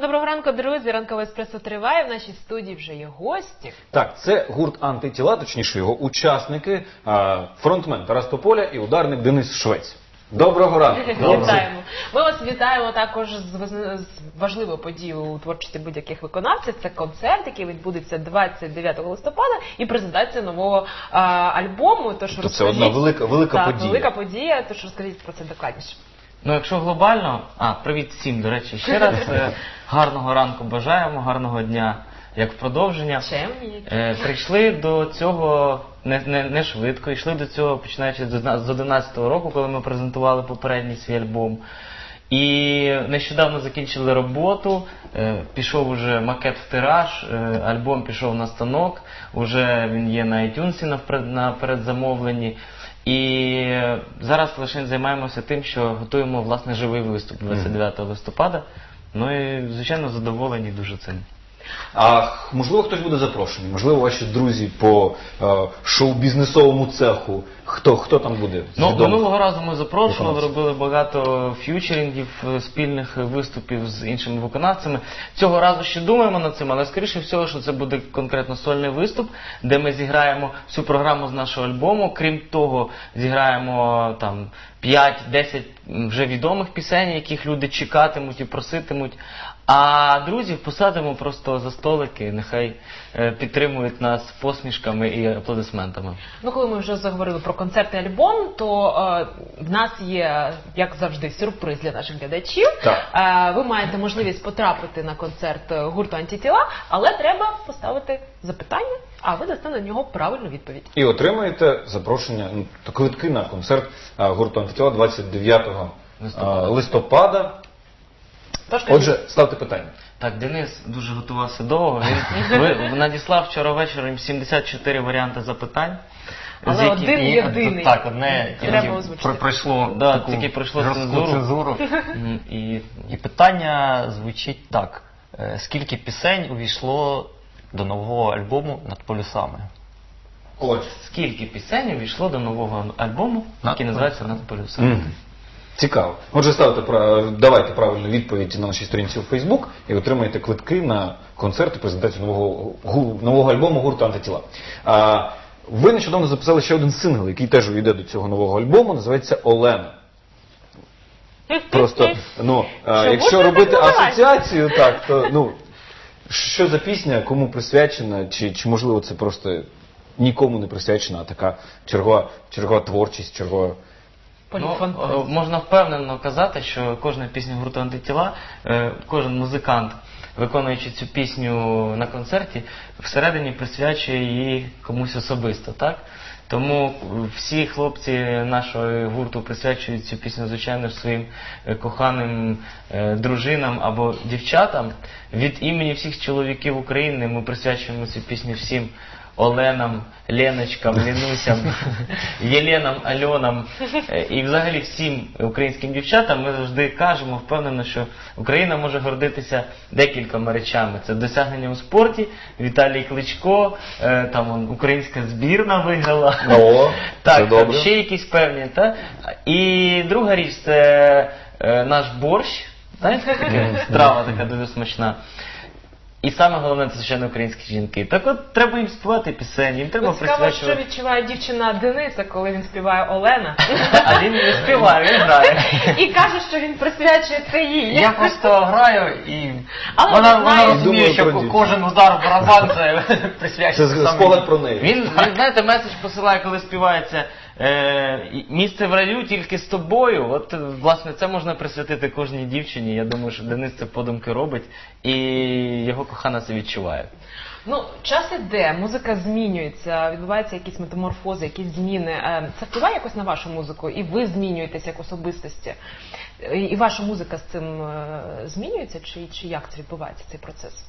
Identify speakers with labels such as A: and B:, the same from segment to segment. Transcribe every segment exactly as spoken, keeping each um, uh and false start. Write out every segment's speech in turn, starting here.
A: Доброго ранку, друзі. Ранкове еспресо триває. В нашій студії вже є гості.
B: Так, це гурт «Антитіла», точніше його учасники, фронтмен Тарас Тополя і ударник Денис Швець. Доброго ранку.
A: Вітаємо. Ми вас вітаємо також з важливою подією у творчості будь-яких виконавців. Це концерт, який відбудеться двадцять дев'ятого листопада, і презентація нового а, альбому. Тож
B: це одна велика, велика
A: так,
B: подія.
A: велика подія, тож розкажіть про це докладніше.
C: Ну, якщо глобально, а, привіт всім, до речі, ще раз, гарного ранку бажаємо, гарного дня, як в продовження. Е, прийшли до цього не, не, не швидко, йшли до цього, починаючи з одинадцятого року, коли ми презентували попередній свій альбом. І нещодавно закінчили роботу, е, пішов уже макет в тираж, е, альбом пішов на станок, уже він є на iTunes на, на передзамовленні. І зараз лише займаємося тим, що готуємо, власне, живий виступ двадцять дев'ятого листопада. Ну і, звичайно, задоволені дуже цим.
B: А можливо, хтось буде запрошений? Можливо, ваші друзі по е, шоу-бізнесовому цеху? Хто, хто там буде?
C: Ну, минулого разу ми запрошували, робили багато ф'ючерінгів, спільних виступів з іншими виконавцями. Цього разу ще думаємо над цим, але скоріше всього, що це буде конкретно сольний виступ, де ми зіграємо всю програму з нашого альбому. Крім того, зіграємо там п'ять-десять вже відомих пісень, яких люди чекатимуть і проситимуть. А друзів посадимо просто за столики, нехай е, підтримують нас посмішками і аплодисментами.
A: Ну, коли ми вже заговорили про концерт і альбом, то е, в нас є, як завжди, сюрприз для наших глядачів. Е, ви маєте можливість потрапити на концерт гурту «Антитіла», але треба поставити запитання, а ви дасте на нього правильну відповідь.
B: І отримаєте запрошення, ну, квитки на концерт а, гурту «Антитіла» двадцять дев'ятого листопада. листопада. Отже, ставте питання.
C: Так, Денис дуже готувався довго. Він надіслав вчора ввечері сімдесят чотири варіанти запитань.
A: Але
C: які...
A: один
C: і...
A: єдиний.
C: Так, одне
A: тільки
C: пройшло, да, тільки пройшло цензуру. цензуру.
D: і... і питання звучить так. Скільки пісень увійшло до нового альбому «Над полюсами»?
B: Отже.
C: Скільки пісень увійшло до нового альбому, який називається «Над полюсами»?
B: Mm. Цікаво. Отже, ставте, давайте правильну відповідь на нашій сторінці у Фейсбук і отримаєте квитки на концерт і презентацію нового, нового альбому гурту «Антитіла». А, ви нещодавно записали ще один сингл, який теж увійде до цього нового альбому, називається «Олена». Просто, ну, а, якщо робити асоціацію, так, то, ну, що за пісня, кому присвячена, чи, чи можливо це просто нікому не присвячена, а така чергова, чергова творчість, чергова...
C: Ну, можна впевнено казати, що кожна пісня гурту «Антитіла», кожен музикант, виконуючи цю пісню на концерті, всередині присвячує її комусь особисто, так? Тому всі хлопці нашого гурту присвячують цю пісню, звичайно, своїм коханим дружинам або дівчатам. Від імені всіх чоловіків України ми присвячуємо цю пісню всім Оленам, Леночкам, Лінусям, Єленам, Альонам і взагалі всім українським дівчатам ми завжди кажемо впевнено, що Україна може гордитися декількома речами. Це досягнення у спорті, Віталій Кличко, там он, українська збірна виграла.
B: О,
C: так,
B: це добре.
C: Ще якісь певні. Та? І друга річ – це наш борщ, знаєте, страва така дуже смачна. І саме головне, це, звичайно, українські жінки. Так от, треба їм співати пісень, їм треба присвячувати...
A: Цікаво, що відчуває дівчина Дениса, коли він співає Олена.
C: А він не співає, він грає.
A: І каже, що він присвячує це їй.
D: Я просто граю і
A: Але
D: вона,
A: вона
D: вона розуміє,
B: що
D: кожен удар в барабан це присвячується.
B: Це спогад про неї.
C: Він, він, знаєте, меседж посилає, коли співається е, «Місце в раю тільки з тобою». От, власне, це можна присвятити кожній дівчині. Я думаю, що Денис це подумки робить, і його кохана це відчуває.
A: Ну, час іде, музика змінюється, відбуваються якісь метаморфози, якісь зміни. Це впливає якось на вашу музику? І ви змінюєтесь як особистості? І ваша музика з цим змінюється? Чи, чи як це відбувається, цей процес?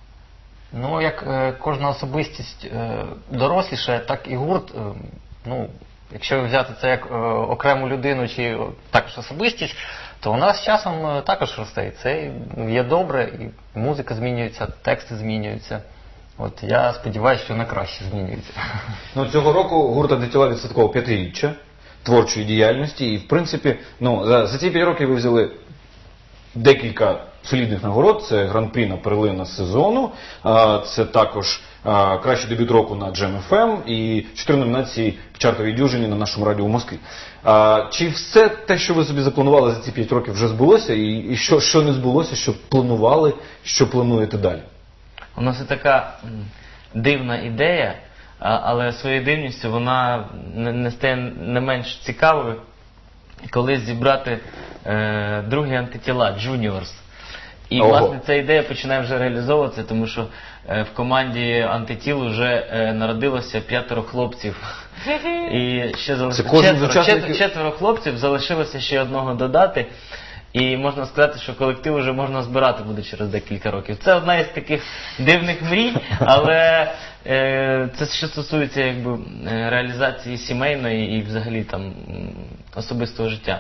D: Ну, як е, кожна особистість е, доросліша, так і гурт. Е, ну, якщо взяти це як е, окрему людину чи також особистість, то у нас з часом е, також росте. І це є добре, і музика змінюється, тексти змінюються. От я сподіваюся, що на краще змінюється.
B: Ну, цього року гурт «Антитіла» відсвяткував п'ятиріччя творчої діяльності. І, в принципі, ну, за, за ці п'ять років ви взяли декілька солідних нагород. Це гран-прі на перлина сезону, а, це також а, кращий дебют року на Джем еф ем і чотири номінації в чартовій дюжині на нашому радіо в Москві. А, чи все те, що ви собі запланували за ці п'ять років, вже збулося? І, і що, що не збулося, що планували, що плануєте далі?
C: У нас є така м, дивна ідея, а, але своєю дивністю вона не, не стає не менш цікавою, коли зібрати е, другі антитіла, Juniors. І,
B: Ого.
C: власне, ця ідея починає вже реалізовуватися, тому що е, в команді антитіл вже е, народилося п'ятеро хлопців. І ще залишилося
B: кожен з
C: четверо,
B: учасників?
C: четверо, четверо хлопців, залишилося ще одного додати. І можна сказати, що колектив вже можна збирати буде через декілька років. Це одна із таких дивних мрій, але е, це що стосується якби, е, реалізації сімейної і взагалі там м, особистого життя.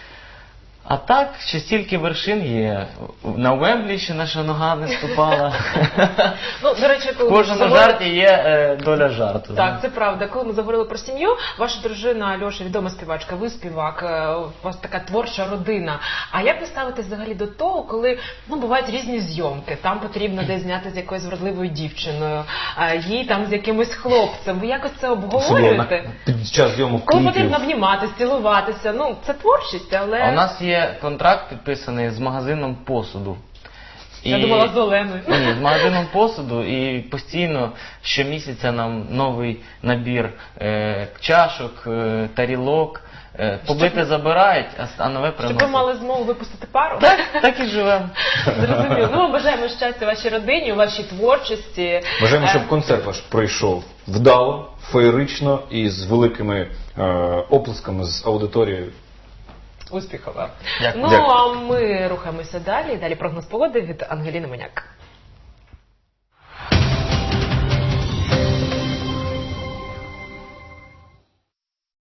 C: А так, ще стільки вершин є. На Уемблі ще наша нога не ступала.
A: Ну, до речі, коли
C: В
A: ми
C: кожному
A: заговорили-
C: жарті є е, доля жарту.
A: Так, це правда. Коли ми заговорили про сім'ю, ваша дружина Альоша відома співачка, ви співак, е, у вас така творча родина. А як ви ставитесь взагалі до того, коли ну бувають різні зйомки, там потрібно десь зняти з якоюсь вродливою дівчиною, а їй там з якимось хлопцем. Ви якось це обговорюєте?
B: Під час зйомок
A: Коли
B: кліпів.
A: потрібно обніматися, цілуватися, ну це творчість, але
C: А у нас є контракт підписаний з магазином посуду.
A: я думала з Оленою.
C: Ні, з магазином посуду, і постійно щомісяця нам новий набір е, чашок, е, тарілок. Е, побите забирають, а, а нове
A: Щоб
C: приносять.
A: ви мали змогу випустити пару?
C: Так, так і живемо.
A: Зрозуміло. Ну, ми бажаємо щастя вашій родині, у вашій творчості.
B: Бажаємо,
A: Е,
B: щоб концерт ваш пройшов вдало, феєрично і з великими е, оплесками з аудиторією.
A: Успіхова.
D: Дякую.
A: Ну,
B: Дякую.
A: а ми рухаємося далі. Далі прогноз погоди від Ангеліни Моняк.